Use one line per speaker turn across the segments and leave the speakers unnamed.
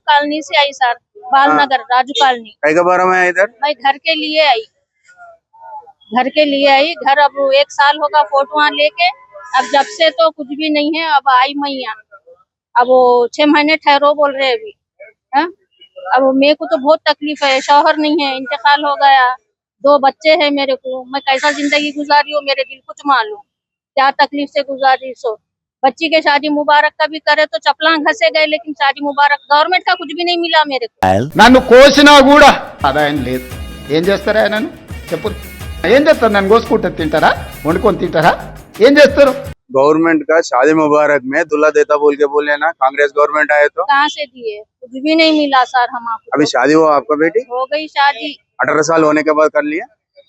Colony से आई sir, Balanagar Raju colony.
कई का बारे में है इधर?
मैं घर के लिए आई, घर के लिए आई। घर अब 1 साल होगा फोटो लेके, अब जब से तो कुछ भी नहीं है। अब आई मैं यहाँ, अब वो 6 महीने ठहरो बोल रहे अभी। है अब मेरे को तो बहुत तकलीफ है, शौहर नहीं है, इंतकाल हो गया, 2 बच्चे हैं मेरे को। मैं कैसा जिंदगी गुजारी हूँ मेरे दिल कुछ मालूम, क्या तकलीफ से गुजारी। सो बच्ची के शादी मुबारक का भी करे तो चपला घसे गए, लेकिन शादी मुबारक गवर्नमेंट का कुछ भी नहीं मिला मेरे को।
నన్ను కోసినా కూడా ఆదాయం లేదు. ఏం చేస్తారా నన్ను చెప్పు? ఏం చేస్తారు? నన్ను కోసుకుంటే తింటారా, వండుకొని తింటారా, ఏం చేస్తారు?
गवर्नमेंट का शादी मुबारक में दूल्हा देता बोल के बोले ना, कांग्रेस गवर्नमेंट आए तो
कहाँ से दिए? कुछ भी नहीं मिला सर हमको।
अभी शादी हुआ आपका बेटी?
हो गई शादी,
18 साल होने के बाद कर लिया?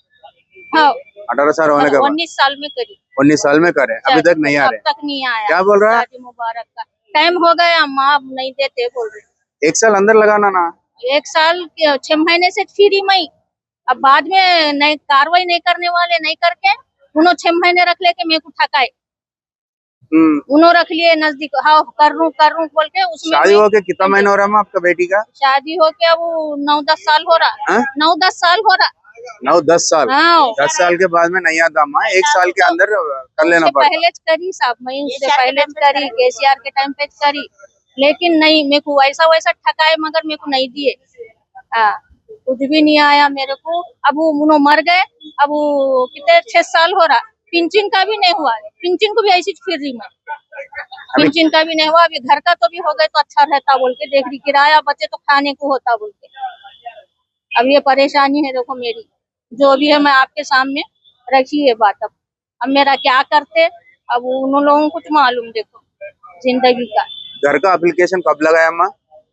हाँ
18 साल होने के बाद
19 साल में करी।
19 साल में करे, अभी तक नहीं आ
अब
रहे?
तक नहीं आया।
क्या बोल रहा है?
शादी मुबारक का टाइम हो गया, माँ नहीं देते बोल रहे।
1 साल अंदर लगाना ना।
1 साल 6 महीने से फ्री मई, अब बाद में नहीं कार्रवाई नहीं करने वाले, नहीं करके उन्होंने 6 महीने रख लेके मेरे को ठकाए। उन्होंने रख लिए नजदीक, हाँ कर रूं बोल के। उसमें
शादी हो के कितना महीना हो रहा है आपका बेटी का?
शादी हो के अब 9-10 साल हो रहा, 9-10 साल हो रहा।
9-10 साल।
हाँ
10 साल के बाद में नहीं आता माँ, 1 साल के अंदर कर लेना पड़ता।
पहले करी साहब, मैं उससे पहले करी, केसीआर के टाइम पे करी, लेकिन नहीं मेरे को ऐसा वैसा ठकाए, मगर मेरे को नहीं दिए। हाँ कुछ भी नहीं आया मेरे को। अब वो मर गए, अब वो कितने 6 साल हो रहा, पिंचिन का भी नहीं हुआ। पिंचिन को भी ऐसी फिर रही मैं, पिंचिन का भी नहीं हुआ। अभी घर का तो भी हो गए तो अच्छा रहता बोल के देख रही, किराया बचे तो खाने को होता बोल के। अब ये परेशानी है देखो मेरी, जो भी है मैं आपके सामने रखी है बात। अब मेरा क्या करते, अब उन लोगों को कुछ मालूम देखो जिंदगी का।
घर का एप्लीकेशन कब लगाया अम्मा?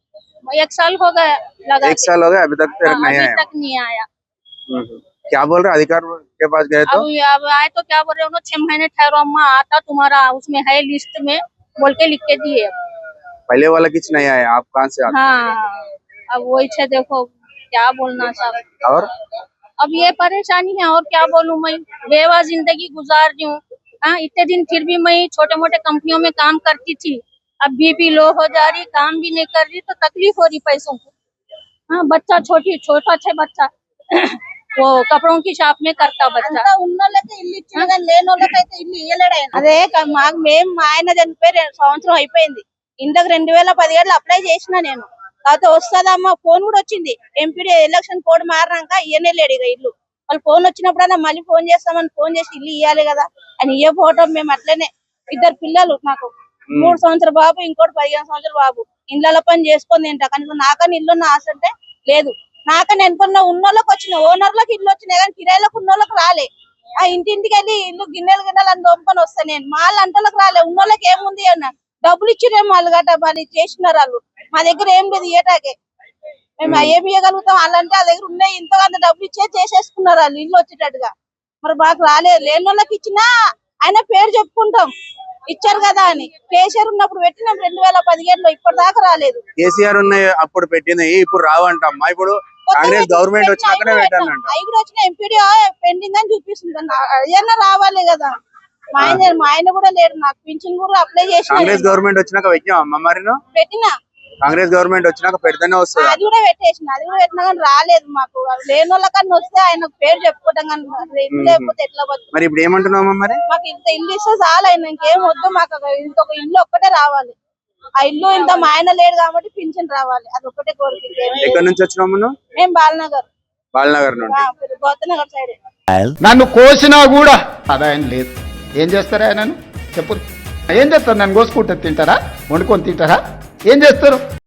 1 साल हो गया लगा।
1 साल हो गया, अभी तक फिर नहीं
अभी
आया?
तक नहीं आया।
क्या बोल रहे अधिकार के पास गए तो?
अब आए तो क्या बोल रहे उन्होंने, 6 महीने ठहरो अम्मा, आता तुम्हारा उसमें है लिस्ट में बोल के लिख के दिए।
पहले वाला कुछ नहीं आया, आप कहाँ से आते?
हाँ अब वही छे देखो क्या बोलना साहब।
और
अब ये परेशानी है, और क्या बोलूं मैं, बेवा जिंदगी गुजार रही हूँ। हाँ इतने दिन फिर भी मैं छोटे मोटे कंपनियों में काम करती थी, अब बीपी लो हो जा रही, काम भी नहीं कर रही तो तकलीफ हो रही पैसों को। हाँ बच्चा छोटा छे बच्चा वो कपड़ों की షాప్ में करता बच्चा।
ఉన్నోళ్ళకి ఇల్లు ఇచ్చింది కానీ లేనోళ్ళకైతే ఇల్లు ఇయ్యలేడు ఆయన. అదే మాకు మేము మా ఆయన చనిపోయి సంవత్సరం అయిపోయింది. ఇంతకు 2017 అప్లై చేసిన నేను. కాకపోతే వస్తుందమ్మా ఫోన్ కూడా వచ్చింది, ఎంపీడీ ఎలక్షన్ కోడ్ మారినాక ఇయ్యనే లేడు ఇక ఇల్లు. వాళ్ళు ఫోన్ వచ్చినప్పుడన్నా మళ్ళీ ఫోన్ చేస్తామని ఫోన్ చేసి ఇల్లు ఇయ్యాలి కదా అని ఇయ్యపోవటం. మేము అట్లనే 2 పిల్లలు, నాకు 3 సంవత్సరాల బాబు, ఇంకోటి 15 సంవత్సరాల బాబు. ఇళ్ళ పని చేసుకొని తింటా, కనీసం నాకని ఇల్లున్న ఆశ అంటే లేదు. నాకని అనుకున్న ఉన్నోళ్ళకి వచ్చిన, ఓనర్లకు ఇల్లు వచ్చినాయి కానీ కిరాయిలకు ఉన్నోళ్ళకి రాలే. ఆ ఇంటింటికి వెళ్ళి ఇల్లు గిన్నెలు అని దొంపుకొని వస్తా నేను. మా అంటోళ్ళకి రాలే. ఉన్నోళ్ళకి ఏముంది అన్న డబ్బులు ఇచ్చిరేమో వాళ్ళు గట్ట మరి చేసినారు వాళ్ళు. మా దగ్గర ఏం లేదు ఇయ్యటాకే, మేము ఏమి ఇయ్యగలుగుతాం. వాళ్ళంటే ఆ దగ్గర ఉన్నాయి, ఇంత అంత డబ్బులు ఇచ్చే చేసేసుకున్నారు వాళ్ళు ఇల్లు వచ్చేటట్టుగా. మరి మాకు రాలేదు. లేని వాళ్ళకి ఇచ్చినా ఆయన పేరు చెప్పుకుంటాం ఇచ్చారు కదా అని. కేసీఆర్ ఉన్నప్పుడు పెట్టినాం 2017లో, ఇప్పటిదాకా రాలేదు.
కేసీఆర్ ఉన్నాయి అప్పుడు పెట్టినాయి, ఇప్పుడు రావంటమ్మా. ఇప్పుడు కాంగ్రెస్ గవర్నమెంట్ వచ్చినాకనే పెట్టానంట.
అవి కూడా వచ్చిన ఎంపీడీ పెండింగ్ అని చూపిస్తుంది. అయ్యన్నా రావాలి కదా. మా ఆయన కూడా లేడు, నాకు పింఛన్ కూడా అప్లై చేసిన.
కాంగ్రెస్ గవర్నమెంట్ వచ్చినాక పెట్టామమ్మా మరి నువ్వు?
పెట్టినా.
కాంగ్రెస్ గవర్నమెంట్ వచ్చినాక పెడితేనే వస్తుంది.
అది కూడా పెట్టేసిన, అది కూడా పెట్టినా కానీ రాలేదు మాకు. లేని వాళ్ళకన్నా వస్తే ఆయన పేరు చెప్పుకోవడం కానీ లేకపోతే ఎట్లా బతుకు.
మరి ఇప్పుడు ఏమంటున్నామా మరి?
మాకు ఇంత ఇల్లు ఇస్తే చాలా, ఆయన ఇంకేం వద్దు మాకు. ఇంకొక ఇల్లు ఒక్కటే రావాలి. ఆ ఇల్లు ఇంత మా ఆయన లేడు కాబట్టి పింఛన్ రావాలి, అది ఒక్కటే కోరిక.
ఎక్కడి నుంచి వచ్చినాము నువ్వు?
మేము
బాలనగర్ నుండి.
గౌతనగర్ సైడ్.
నన్ను కోసినా కూడా ఆదాయం లేదు. ఏం చేస్తారా నన్ను చెప్పు? ఏం చేస్తారు? నన్ను కోసుకుంటే తింటారా, వండుకొని తింటారా, ఏం చేస్తారు?